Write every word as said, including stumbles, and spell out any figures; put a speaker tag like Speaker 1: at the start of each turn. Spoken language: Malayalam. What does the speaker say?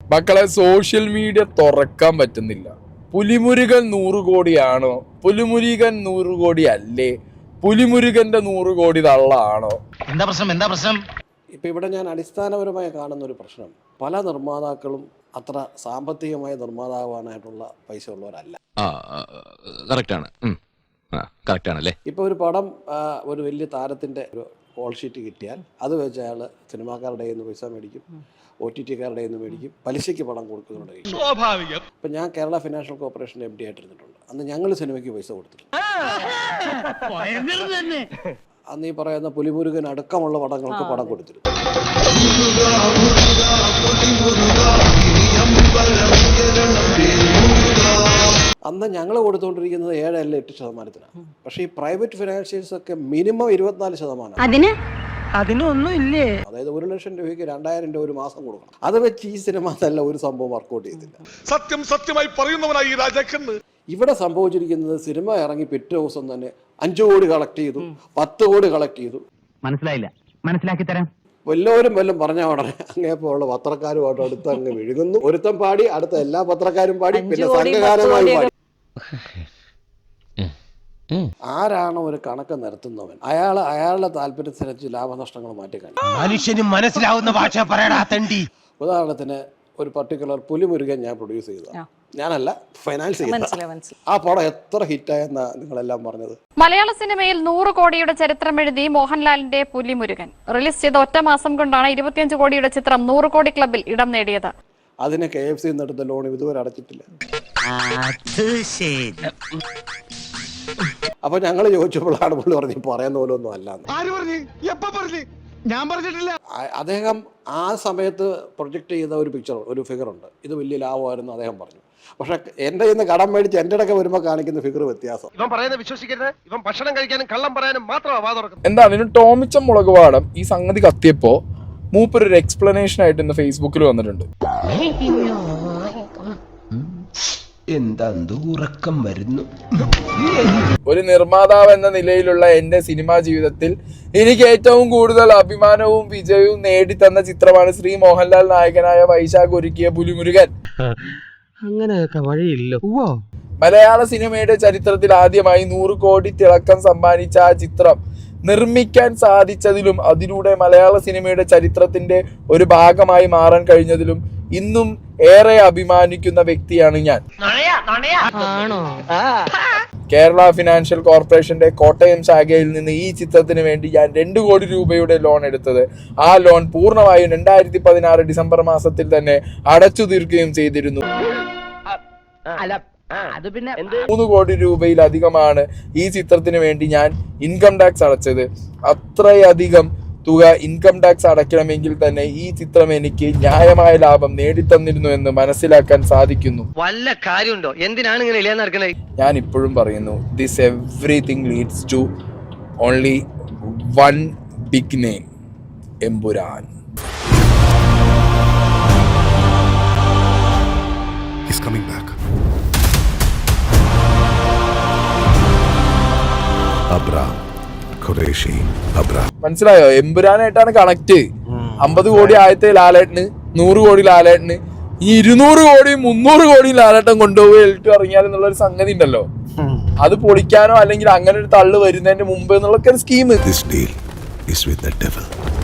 Speaker 1: മക്കളെ സോഷ്യൽ മീഡിയ തുറക്കാൻ പറ്റുന്നില്ല. പുലിമുരുകൻ നൂറ് കോടിയാണോ? പുലിമുരുകൻ നൂറ് കോടി അല്ലേ? പുലിമുരുകന്റെ നൂറ് കോടി തള്ളാണോ?
Speaker 2: എന്താ പ്രശ്നം? എന്താ പ്രശ്നം?
Speaker 3: ഇപ്പൊ ഇവിടെ ഞാൻ അടിസ്ഥാനപരമായി കാണുന്ന ഒരു പ്രശ്നം, പല നിർമ്മാതാക്കളും അത്ര സാമ്പത്തികമായ നിർമ്മാതാവാനായിട്ടുള്ള പൈസ ഉള്ളവരല്ല. ഇപ്പൊ ഒരു പടം ഒരു വലിയ താരത്തിന്റെ ഒരു കോൾ ഷീറ്റ് കിട്ടിയാൽ അത് വെച്ച് അയാൾ സിനിമാക്കാരുടെ കയ്യിൽ നിന്ന് പൈസ മേടിക്കും, ഒ ടി ടിക്കാരുടെ കയ്യിൽ നിന്ന് മേടിക്കും, പലിശയ്ക്ക് പണം കൊടുക്കുന്നുണ്ട്. സ്വാഭാവികം. ഇപ്പൊ ഞാൻ Kerala financial corporation M D ആയിട്ടിരുന്നിട്ടുണ്ട്. അന്ന് ഞങ്ങൾ സിനിമയ്ക്ക് പൈസ കൊടുത്തിട്ടുണ്ട്. അന്ന് ഈ പറയുന്ന പുലിമുരുകൻ അടക്കമുള്ള പടങ്ങൾക്ക് പടം കൊടുത്തിരുന്നു. അന്ന് ഞങ്ങൾ കൊടുത്തുകൊണ്ടിരിക്കുന്നത് ഏഴല്ല എട്ട് ശതമാനത്തിനാണ്. പക്ഷേ ഈ പ്രൈവറ്റ് ഫിനാൻഷ്യൽസ് ഒക്കെ മിനിമം ഇരുപത്തിനാല് ശതമാനം.
Speaker 4: അതിനൊന്നും ഇല്ലേ?
Speaker 3: അതായത് ഒരു ലക്ഷം രൂപയ്ക്ക് രണ്ടായിരം രൂപ ഒരു മാസം കൊടുക്കണം. അത് വെച്ച് ഈ സിനിമ നല്ല ഒരു സംഭവം വർക്കൗട്ട് ചെയ്തില്ല.
Speaker 5: സത്യം സത്യമായി പറയുന്നവനായി രാജാക്കന്ന്.
Speaker 3: ഇവിടെ സംഭവിച്ചിരിക്കുന്നത് സിനിമ ഇറങ്ങി പിറ്റേ ദിവസം തന്നെ അഞ്ചു കോടി കളക്ട് ചെയ്തു, പത്ത് കോടി കളക്ട് ചെയ്തു.
Speaker 4: മനസ്സിലായില്ല, മനസ്സിലാക്കി തരാം.
Speaker 3: വല്ലവരും വല്ലതും പറഞ്ഞ ഉടനെ അങ്ങേപ്പോഴുള്ള പത്രക്കാരുമായിട്ട് അടുത്ത് അങ്ങ് വിഴുകുന്നു. ഒരുത്തം പാടി, അടുത്ത എല്ലാ പത്രക്കാരും പാടി, പിന്നെ സംഘഗാനമായി പാടി. ആരാണോ ഒരു കണക്ക് നിരത്തുന്നവൻ, അയാൾ അയാളുടെ താല്പര്യത്തിനനുസരിച്ച് ലാഭനഷ്ടങ്ങൾ മാറ്റിക്കാണും.
Speaker 2: മനുഷ്യന് മനസ്സിലാവുന്ന ഭാഷ പറയടാ തണ്ടി.
Speaker 3: ഉദാഹരണത്തിന് ഒരു പർട്ടിക്കുലർ പുലിമുരുകൻ ഞാൻ പ്രൊഡ്യൂസ് ചെയ്തതാണ്, ഞാനല്ല ഫൈനാൻസ് ചെയ്ത. ആ പടം എത്ര ഹിറ്റായെന്നാ നിങ്ങളെല്ലാം പറഞ്ഞത്.
Speaker 6: മലയാള സിനിമയിൽ നൂറ് കോടിയുടെ ചരിത്രം എഴുതി മോഹൻലാലിന്റെ പുലിമുരുകൻ റിലീസ് ചെയ്ത ഒറ്റ മാസം കൊണ്ടാണ് ഇരുപത്തിയഞ്ച് കോടിയുടെ ചിത്രം നൂറ് കോടി ക്ലബിൽ ഇടം നേടിയത്.
Speaker 3: അതിന് കെ എഫ് സി എടുത്ത ലോൺ ഇതുവരെ അടച്ചിട്ടില്ല. അപ്പൊ ഞങ്ങൾ ചോദിച്ചപ്പോഴാണ് പുള്ളി പറഞ്ഞു പറയുന്ന പോലെ ഒന്നും അല്ലാന്ന്. അദ്ദേഹം ആ സമയത്ത് പ്രൊജക്ട് ചെയ്ത ഒരു പിക്ചർ, ഒരു ഫിഗർ ഉണ്ട്, ഇത് വലിയ ലാഭമായിരുന്നു അദ്ദേഹം പറഞ്ഞു. പക്ഷെ എന്റെ ഇന്ന് കടം മേടിച്ച് എന്റെ ഇടയ്ക്ക് വരുമ്പോ കാണിക്കുന്ന ഫിഗർ വ്യത്യാസം.
Speaker 5: ഇവൻ പറയുന്നത് വിശ്വസിക്കരുത്. ഇവൻ ഭക്ഷണം കഴിക്കാനും കള്ളം പറയാനും മാത്രമാണ് വാ തുറക്കുന്നത്.
Speaker 1: എന്താ അതിന് ടോമിച്ച മുളക് പാടം ഈ സംഗതി കത്തിയപ്പോ മൂപ്പര് ഒരു എക്സ്പ്ലനേഷൻ ആയിട്ട് ഇന്ന് ഫേസ്ബുക്കിൽ വന്നിട്ടുണ്ട്.
Speaker 2: എന്താ ഉറക്കം വരുന്നു.
Speaker 1: ഒരു നിർമ്മാതാവ് എന്ന നിലയിലുള്ള എന്റെ സിനിമാ ജീവിതത്തിൽ എനിക്ക് ഏറ്റവും കൂടുതൽ അഭിമാനവും വിജയവും നേടിത്തന്ന ചിത്രമാണ് ശ്രീ മോഹൻലാൽ നായകനായ വൈശാഖ് ഒരുക്കിയ പുലിമുരുകൻ.
Speaker 4: അങ്ങനെയൊക്കെ വഴിയില്ലോ.
Speaker 1: മലയാള സിനിമയുടെ ചരിത്രത്തിൽ ആദ്യമായി നൂറ് കോടി തിളക്കം സമ്മാനിച്ച ആ ചിത്രം നിർമ്മിക്കാൻ സാധിച്ചതിലും അതിലൂടെ മലയാള സിനിമയുടെ ചരിത്രത്തിന്റെ ഒരു ഭാഗമായി മാറാൻ കഴിഞ്ഞതിലും ഇന്നും ഏറെ അഭിമാനിക്കുന്ന വ്യക്തിയാണ് ഞാൻ. കേരള ഫിനാൻഷ്യൽ കോർപ്പറേഷന്റെ കോട്ടയം ശാഖയിൽ നിന്ന് ഈ ചിത്രത്തിന് വേണ്ടി ഞാൻ രണ്ട് കോടി രൂപയുടെ ലോൺ എടുത്തത്. ആ ലോൺ പൂർണ്ണമായും രണ്ടായിരത്തി പതിനാറ് ഡിസംബർ മാസത്തിൽ തന്നെ അടച്ചു തീർക്കുകയും ചെയ്തിരുന്നു. മൂന്ന് കോടി രൂപയിലധികമാണ് ഈ ചിത്രത്തിന് വേണ്ടി ഞാൻ ഇൻകം ടാക്സ് അടച്ചത്. അത്രയധികം തുക ഇൻകം ടാക്സ് അടയ്ക്കണമെങ്കിൽ തന്നെ ഈ ചിത്രം എനിക്ക് ന്യായമായ ലാഭം നേടിത്തന്നിരുന്നു എന്ന് മനസ്സിലാക്കാൻ സാധിക്കുന്നു.
Speaker 4: വല്ല കാര്യമുണ്ടോ? എന്തിനാണ് ഇങ്ങനെ ഇല്ലാന്ന് നടക്കുന്നത്?
Speaker 1: ഞാൻ ഇപ്പോഴും പറയുന്നു, this everything leads to only one big name, Empuraan.
Speaker 5: He's coming back. Abram, Qureshi, Abram.
Speaker 1: മനസ്സിലായോ? എമ്പുരാനായിട്ടാണ് കണക്ട്. അമ്പത് കോടി ആയത്തെ ലാലേട്ടന്, നൂറ് കോടി ലാലേട്ടന്, ഈ ഇരുന്നൂറ് കോടിയും മുന്നൂറ് കോടിയും ലാലേട്ടൻ കൊണ്ടുപോയി എൽട്ട് ഇറങ്ങിയാൽ എന്നുള്ള ഒരു സംഗതി ഉണ്ടല്ലോ, അത് പൊളിക്കാനോ അല്ലെങ്കിൽ അങ്ങനെ ഒരു തള്ളു വരുന്നതിന്റെ മുമ്പ് എന്നുള്ള scheme.
Speaker 5: This deal is with the devil.